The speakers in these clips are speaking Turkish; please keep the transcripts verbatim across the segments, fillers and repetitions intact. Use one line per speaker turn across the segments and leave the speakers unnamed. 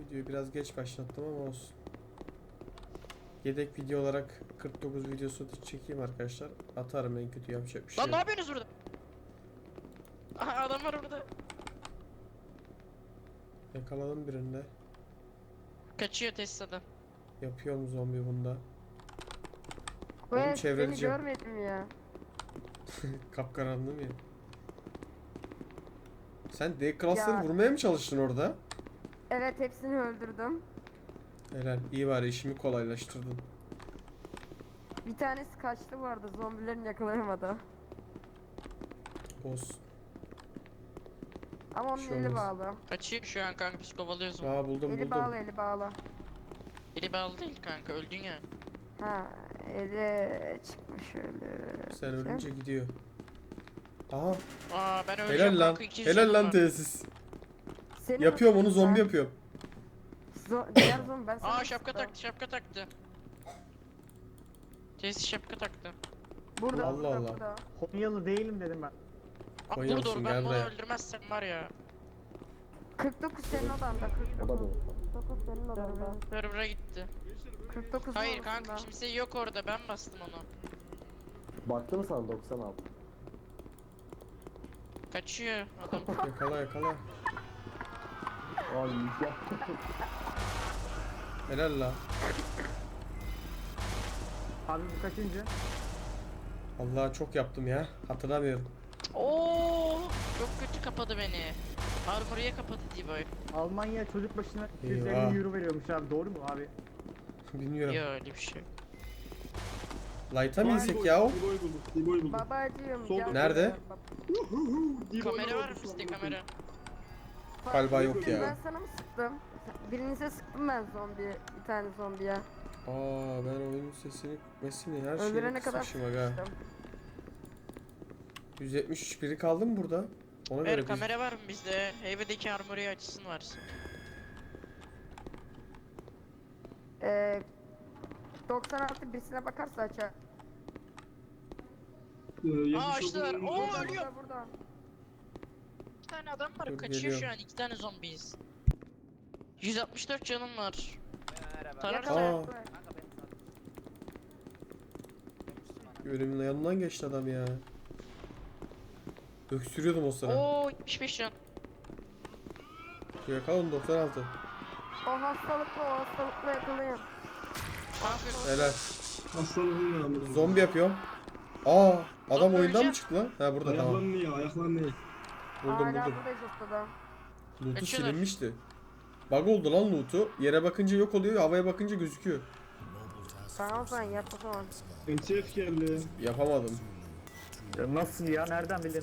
Videoyu biraz geç başlattım ama olsun. Yedek video olarak kırk dokuz videosu da çekeyim arkadaşlar. Atarım, en kötü yapacak bir şey
Lan ne
yok.
yapıyorsunuz burada? Aha adam var burada.
Yakaladım birinde.
Kaçıyor tesisadan.
Yapıyorum zombi bunda.
Ve
Oğlum
beni
çevreleyeceğim.
görmedim ya.
Kapkaranlığı mı ya? Sen D-Class'ları
Ya.
vurmaya mı çalıştın orada?
Evet, hepsini öldürdüm.
Helal, iyi var, işimi kolaylaştırdın.
Bir tanesi kaçtı bu arada, zombilerin yakalayamadı.
Olsun.
Ama onun
Bir şey
eli
olmaz.
bağlı.
Kaçıyor şu an kanka, biz kovalıyoruz onu.
Aa buldum
Eli
buldum.
bağlı, eli bağlı.
Eli bağlı değil kanka, öldün ya.
Ha, eli çıkmış öyle.
Sen ölünce gidiyor. Aha,
Aa ben öleceğim
helal lan.
kanka, iki yüz
Helal
canım
lan
var.
tesis.
Seni
Yapıyorum onu,
öldürdüm
zombi
ben.
yapıyorum.
Zo diğer zombi ben sana
Aa şapka
sıktım.
taktı, şapka taktı. Tesis şapka taktı.
Burada,
Allah
burada,
Allah.
burada.
Konyalı değilim dedim ben.
Aa
Koyuyor
burada
musun?
dur, ben
Gel
bunu
buraya.
öldürmezsem var ya.
kırk dokuz senin odanda, kırk dokuz. kırk dokuz senin odanda.
Server'a gitti.
kırk dokuz
Hayır
odasında.
kanka, kimse yok orada, ben bastım onu.
Baktın mı sana doksan altı?
Kaçıyor adam.
Yakala yakala.
Ay ya.
Helal lan.
Abi bu kaçıncı?
Allah çok yaptım ya. Hatırlamıyorum.
Oo çok kötü kapadı beni. Armory'e kapadı D-Boy.
Almanya çocuk başına iki yüz
Eyvah.
elli euro veriyormuş abi, doğru mu abi?
Bilmiyorum.
Ya öyle bir şey.
Light'a mı insek ya o?
D-Boy buldum. D-Boy buldum.
Babacığım
Solda.
gel
Nerede?
buraya. Bab-
Kamera var mı bizde, kamera?
Galiba yok
Ben
ya.
sana mı sıktım? Birinize sıktım ben zombi, bir tane zombiye.
Aa ben oyunun sesini, mesini, her şeyi
Öldürene kadar
kısmışım aga.
sıktım.
yüz yetmiş üç biri kaldı mı burada? Ona göre
Ver
biz...
kamera var mı bizde? Heybedeki armory açısın varsa.
Ee, doksan altı birisine bakarsa açar.
Ee,
Aa,
yazmış
açtılar.
olduğum
Oo,
yerde-
ölüyor.
Burada, burada.
Bir tane adam var,
Dur,
kaçıyor
geliyorum.
şu an, iki tane zombiyiz. yüz altmış dört canım var.
Yakala,
Tararsa
Aa.
yakala.
Ölümün yanından geçti adam ya. Öksürüyordum o sıra.
Oo yetmiş beş can.
Yakalım doksan altı.
O hastalıklı, o hastalıklı yakalayın.
Kanka
Helal.
Aslanım ya. amına.
Zombi yapıyorum. Aa adam
Zombi
oyundan
öleceğim.
mı çıktı lan? Ha burada, tamam.
Ayaklarını niye? Ayaklarını niye?
Buldum
Hala
buldum.
buradayız ustada.
Loot'u
Kaçıyorlar.
silinmişti. Bug oldu lan loot'u. Yere bakınca yok oluyor, havaya bakınca gözüküyor.
Tamam sen yap o zaman.
N T F geldi.
Yapamadım.
Ya nasıl ya, nereden bildin?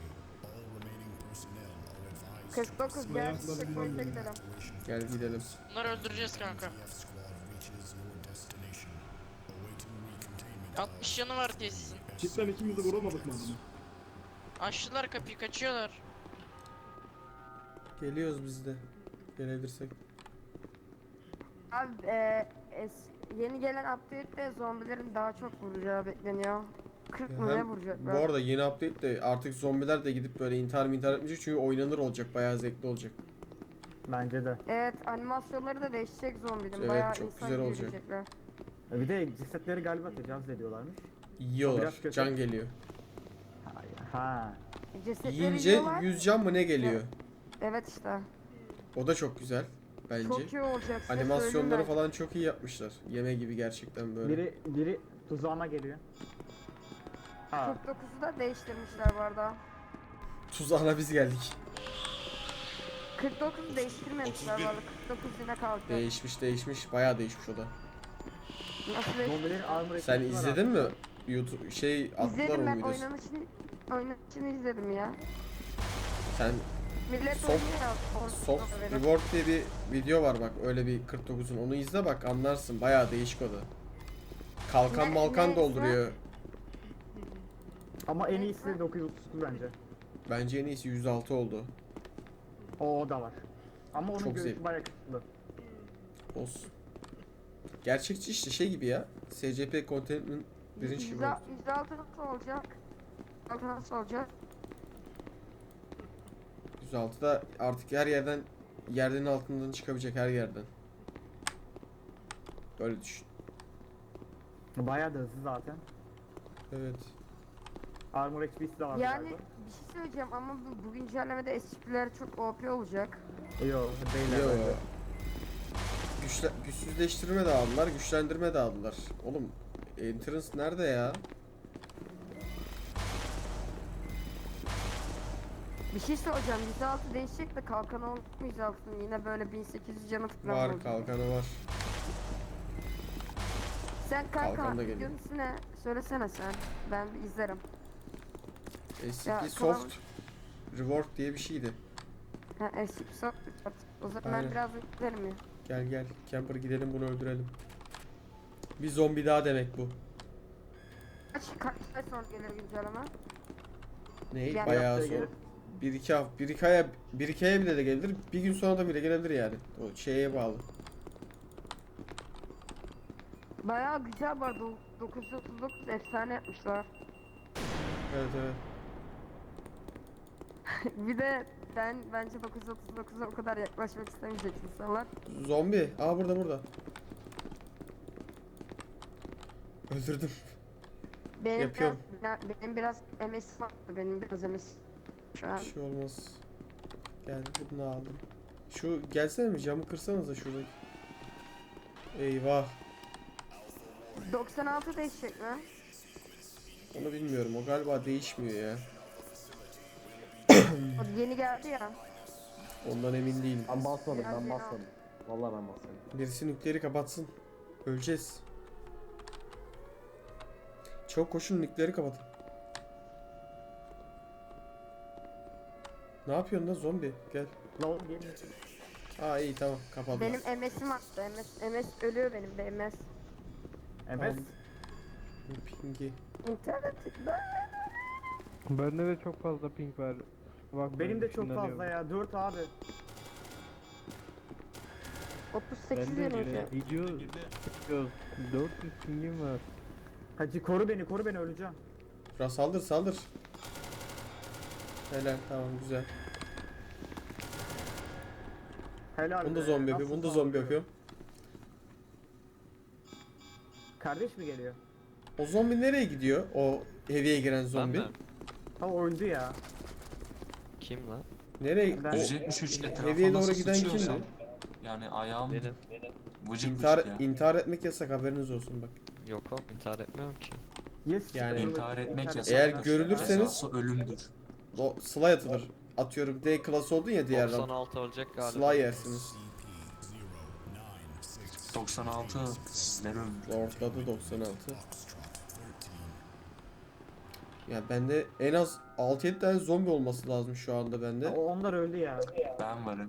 kırk dokuz gel,
Ayakları
checkpoint'e
bilmem
gidelim.
Gel gidelim.
bunları öldüreceğiz kanka. altmış canı var tesisin.
Cidden ikimiz de vuramadık mı adamı?
Açtılar kapıyı, kaçıyorlar.
Geliyoruz biz de. Gelebilirsek.
Abi e, es- yeni gelen update'te zombilerin daha çok vuracağı bekleniyor. kırk mı ne
Hem, bu
vuracaklar?
arada yeni update de artık zombiler de gidip böyle intihar mı intihar etmeyecek, çünkü oynanır olacak, bayağı zevkli olacak.
Bence de.
Evet, animasyonları da değişecek zombinin.
Evet,
Bayağı
çok
insan
güzel
gibi
olacak.
yürüyecekler.
E Bir de cesetleri galiba tecavüz ediyorlarmış.
Yiyorlar,
Biraz kötü.
can geliyor.
Ha. ha.
Cesetleri
Yiyince
yiyorlar.
yüz can mı ne geliyor?
Evet işte.
O da çok güzel bence.
Çok iyi olacak. size
Animasyonları
söyleyeyim ben.
falan çok iyi yapmışlar. Yeme gibi gerçekten böyle.
Biri biri tuzağıma geliyor. Ha.
kırk dokuzu da değiştirmişler bu arada.
Tuzağına biz geldik.
kırk dokuzu değiştirmemişler bu arada. kırk dokuz yine kalacak.
Değişmiş değişmiş, bayağı değişmiş o da.
Nasıl değişmiş?
Zombilerin armor
Sen
equip'i var
izledin
abi.
mi? YouTube şey attılar
İzledim
onun
ben
videosu.
oynanışını, oynanışını izledim ya.
Sen
Millet
Soft-
oynuyor ya.
Soft Reward diye bir video var bak, öyle bir kırk dokuzun, onu izle bak anlarsın, bayağı değişik o da. Kalkan
Ne-
malkan
neyse?
dolduruyor.
Ama en iyisi dokuz yüz otuz dokuz bence.
Bence en iyisi yüz altı oldu.
O, o da var. Ama onun
Çok
görüşü
zevkli.
bayağı kısıtlı.
Olsun. Gerçekçi işte, şey gibi ya. S C P Content'ın birinci gibi oldu.
yüzde altı nasıl olacak? yüzde altı nasıl olacak?
yüz altıda artık her yerden yerlerin altından çıkabilecek her yerden. Öyle düşün.
Bayağı da hızlı zaten.
Evet.
Armor X P'si de var
Yani
galiba.
bir şey söyleyeceğim ama bu, bu güncellemede S C P'ler çok O P olacak.
Yok değiller
Yo.
bence.
Güçle, güçsüzleştirme de aldılar, güçlendirme de aldılar. Oğlum, entrance nerede ya?
Bir şey söyleyeceğim. yüz altı değişecek de kalkanı olmuş mu yüz altının? Yine böyle bin sekiz yüz canı falan
Var,
olacak.
kalkanı var.
Sen kanka
Kalkan da geliyor.
videonun üstüne söylesene sen. Ben bir izlerim.
Eski
Ya,
soft reward diye bir şeydi.
Ha S C P sok. O zaman
Aynen.
ben biraz izlerim ya.
Gel gel, Camper gidelim bunu öldürelim. Bir zombi daha demek bu.
Kaç, kaç ay sonra gelir güncelleme?
Ne?
Yani
Bayağı
haftaya
zor.
gelir.
Bir iki hafta, bir iki aya, bir iki aya bile de gelebilir. Bir gün sonra da bile gelebilir yani. O şeye bağlı.
Bayağı güzel var. Do- dokuz yüz otuz dokuz efsane yapmışlar.
Evet evet.
Bir de ben bence dokuz yüz otuz dokuza o kadar yaklaşmak istemeyecek insanlar.
Zombi. Aa burada burada. Öldürdüm.
Benim
Yapıyorum.
biraz benim biraz M S vardı. Benim biraz M S. Şu an
Bir şey olmaz. Gel bunu aldım. Şu gelsene mi camı kırsanıza şuradaki. Eyvah.
doksan altı değişecek mi?
Onu bilmiyorum. O galiba değişmiyor ya.
O yeni geldi ya.
Ondan emin değilim.
Ben basmadım
Biraz
ben
yeni
basmadım. Vallahi ben basmadım.
Birisi nükleeri kapatsın. Öleceğiz. Çok koşun nükleeri kapatın. Ne yapıyorsun lan zombi? Gel.
La oğlum gelin.
Aa iyi tamam kapadım.
Benim M S'im attı. M S, M S ölüyor benim de M S.
Evet.
Pingi.
İnternette.
Bende de çok fazla ping var. Bak
Benim de çok fazla ya. dört abi.
otuz
Ben
sekiz
de
yanıyor.
öyle. Video çıkıyoruz. dört yüz pingim var.
Hacı koru beni koru beni öleceğim.
Biraz saldır saldır. Helal tamam güzel.
Helal
Bunu da
be,
zombi yapıyor.
nasıl
Bunu da zombi
saldırıyor?
yapıyor.
Kardeş mi geliyor?
O zombi nereye gidiyor? O heavy'ye giren zombi.
Ben mi?
Ha öldü ya.
Kim lan?
Nereye?
Ben-
O
yüz yetmiş üç etrafa
heavy'ye doğru
nasıl
giden
sıçıyorsam,
kimdi?
Yani ayağım
Benim.
vıcık
İntihar,
vıcık ya.
intihar etmek yasak haberiniz olsun bak.
Yok oğlum intihar etmiyorum ki.
Yes.
Yani-
işte,
İntihar
evet,
etmek
intihar
yasak.
Eğer
etmek
görülürseniz-
Cezası ölümdür.
O slay atılır. Atıyorum D klas oldun ya diğer round.
doksan altı olacak galiba.
Slay yersiniz.
doksan altı sizler öldür.
Ortladı doksan altı. Ya bende en az altı yedi tane zombi olması lazım şu anda
O-
bende.
Onlar öldü ya.
Ben varım.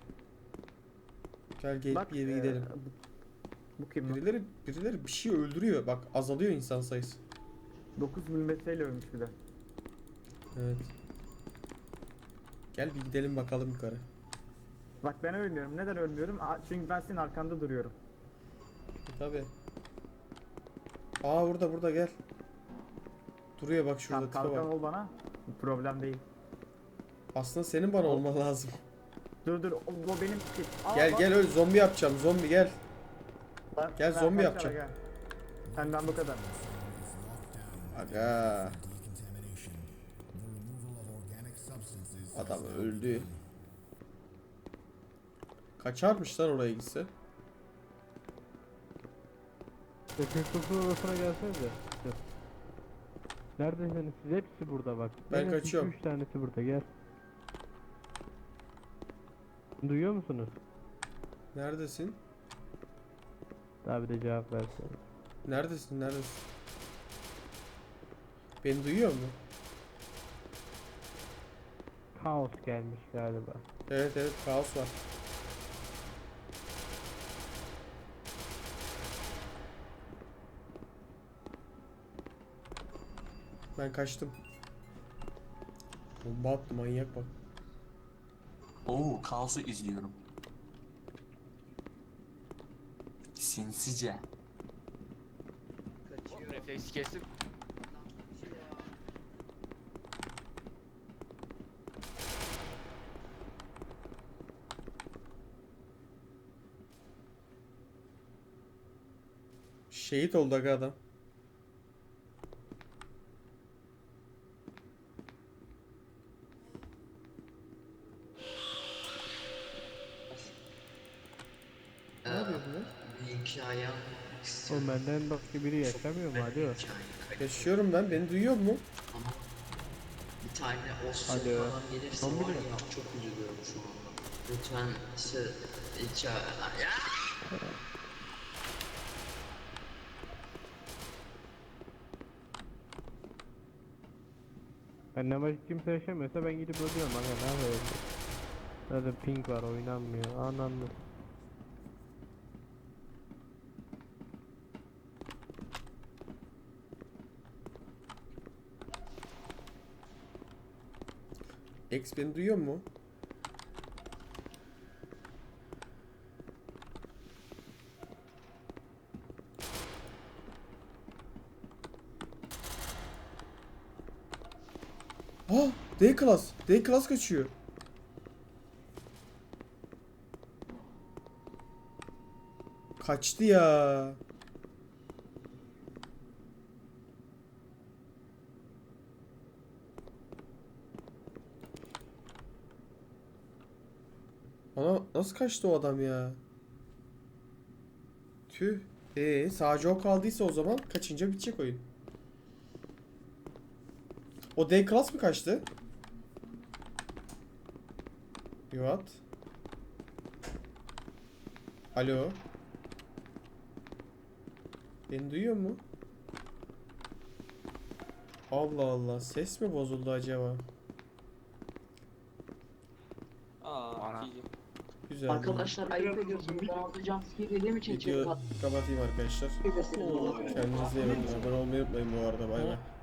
Gel gel
Bak,
bir eve
e,
gidelim.
Bu, bu kim lan?
Birileri birileri bir şey öldürüyor. Bak azalıyor insan sayısı.
dokuz milimetreyle ölmüş bir de.
Evet. Gel bir gidelim bakalım yukarı.
Bak ben ölmüyorum. Neden ölmüyorum? Aa, çünkü ben senin arkanda duruyorum.
E, tabi. Aa burada burada gel. Duruyor bak şurada
Tamam,
tipe
kalkan
bak.
ol bana. Problem değil.
Aslında senin bana olman lazım.
Dur dur o, o benim tip. Aa,
Gel
bak.
gel öl zombi yapacağım zombi gel.
Ben-
gel,
ben
zombi
kaç
yapacağım.
tane gel. Senden bu kadar.
Aga. Adam öldü. Kaçarmış lan oraya gitse.
kırk dokuz odasına gelsenize. Dur. Neredesiniz siz? Hepsi burada bak.
Ben
En az iki,
kaçıyorum.
üç tanesi burada gel. Duyuyor musunuz?
Neredesin?
Daha bir de cevap versene.
Neredesin neredesin? Beni duyuyor mu?
Kaos gelmiş galiba.
Evet evet kaos var. Ben kaçtım. Bomba attı manyak bak.
Oo kaosu izliyorum. Sinsice.
Refleks kesip
Şehit oldu aga adam. Ne yapıyor bunlar?
Bir hikaye
Oğlum benden başka biri yaşamıyor mu? Hadi o.
Yaşıyorum ben. Beni duyuyor mu?
Ama bir tane Osman
Hadi.
falan gelirse
Son
var
bile.
ya çok üzülüyorum şu anda. Lütfen işte hikayeler ya.
Benden başka kimse yaşamıyorsa ben gidip ödüyorum. Aga ne yapayım? Zaten ping var oynanmıyor. Ananı.
X beni duyuyor mu? Ah, D class. D class kaçıyor. Kaçtı ya. Ana nasıl kaçtı o adam ya? Tüh. Ee, sadece o kaldıysa o zaman kaçınca bitecek oyun. O D class mı kaçtı? What? Alo. Beni duyuyor mu? Allah Allah, ses mi bozuldu acaba?
Aa,
Güzel.
arkadaşlar ayıp ediyorsunuz. Ben orada jumpscare dediğim için
Video
çığlık
kapatayım arkadaşlar.
atıyorsunuz.
Kendinize iyi bakın. Abone olmayı unutmayın bu arada. Bay bay.